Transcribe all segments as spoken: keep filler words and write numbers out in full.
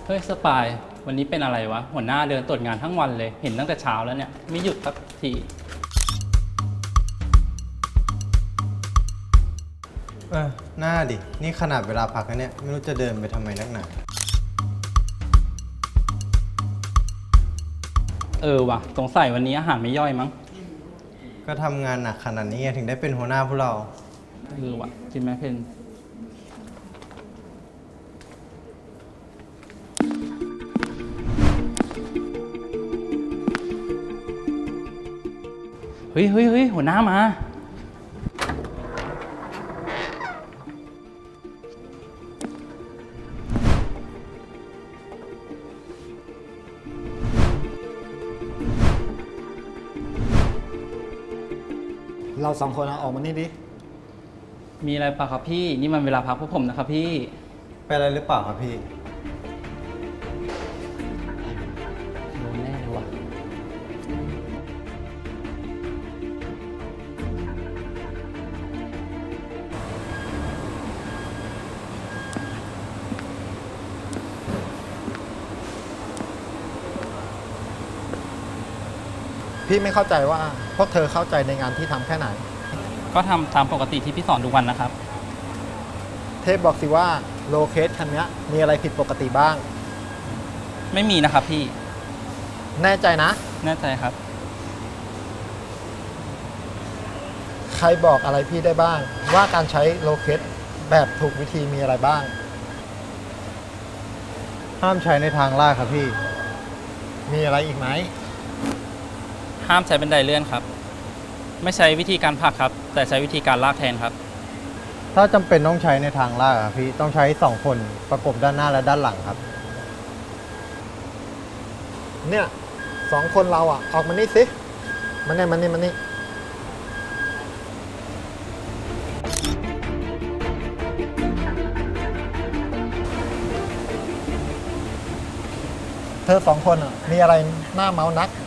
เฮ้ยสปายวันนี้เป็นอะไรวะหัวหน้าเดินตรวจงานทั้งวันเลยเห็นตั้งแต่เช้าแล้วเนี่ยไม่หยุดสักทีเออหน้าดินี่ขนาดเวลาพักนะเนี่ยไม่รู้จะเดินไปทำไมนักหนาเออว่ะสงสัยวันนี้อาหารไม่ย่อยมั้งก็ทำงานหนักขนาดนี้ถึงได้เป็นหัวหน้าพวกเราเออว่ะจริงไหมเพนเฮ้ยเฮ้ยเฮ้ยหัวหน้ามาเราสองคนเอาออกมานี่ดิมีอะไรป่ะครับพี่นี่มันเวลาพักพวกผมนะครับพี่เป็นอะไรหรือเปล่าครับพี่โดนแน่เลยว่ะพี่ไม่เข้าใจว่าพวกเธอเข้าใจในงานที่ทำแค่ไหนก็ทำตามปกติที่พี่สอนทุกวันนะครับเทพบอกสิว่าโลเคสคันนี้มีอะไรผิดปกติบ้างไม่มีนะครับพี่แน่ใจนะแน่ใจครับใครบอกอะไรพี่ได้บ้างว่าการใช้โลเคสแบบถูกวิธีมีอะไรบ้างห้ามใช้ในทางลาดครับพี่มีอะไรอีกไหมห้ามใช้บันไดเลื่อนครับไม่ใช้วิธีการผลักครับแต่ใช้วิธีการลากแทนครับถ้าจำเป็นต้องใช้ในทางลาดครับพี่ต้องใช้สองคนประกบด้านหน้าและด้านหลังครับเนี่ยสองคนเราอ่ะออกมานี่สิมาเนี่ยมานี่มานี่เธอสองคนอ่ะมีอะไรน่าเมานัก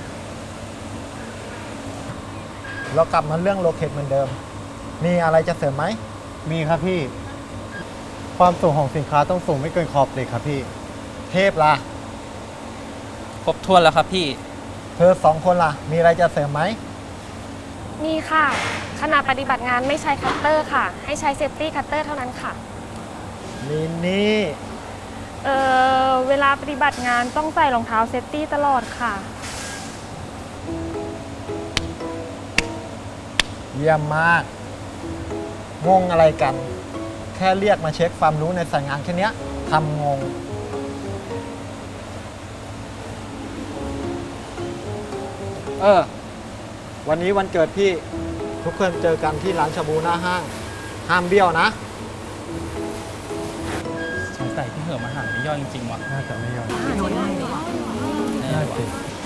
เรากลับมาเรื่องโลเคทเหมือนเดิมมีอะไรจะเสริมไหมมีครับพี่ความสูงของสินค้าต้องสูงไม่เกินขอบเหล็กครับพี่เทพล่ะครบถ้วนแล้วครับพี่เธอสองคนล่ะมีอะไรจะเสริมไหมมีค่ะขณะปฏิบัติงานไม่ใช้คัตเตอร์ค่ะให้ใช้เซฟตี้คัตเตอร์เท่านั้นค่ะมินนี่เอ่อเวลาปฏิบัติงานต้องใส่รองเท้าเซฟตี้ตลอดค่ะเยี่ยมมากงงอะไรกันแค่เรียกมาเช็คความรู้ในสายงานแค่นี้ทำงงเออวันนี้วันเกิดพี่ทุกคนเจอกันที่ร้านชาบูหน้าห้างห้ามเบี้ยวนะสงสัยที่เหื่อมาหาไม่ย่อยจริงๆว่ะน่าจะไม่ยอมอ่าใช่ได้แน่ว่ะ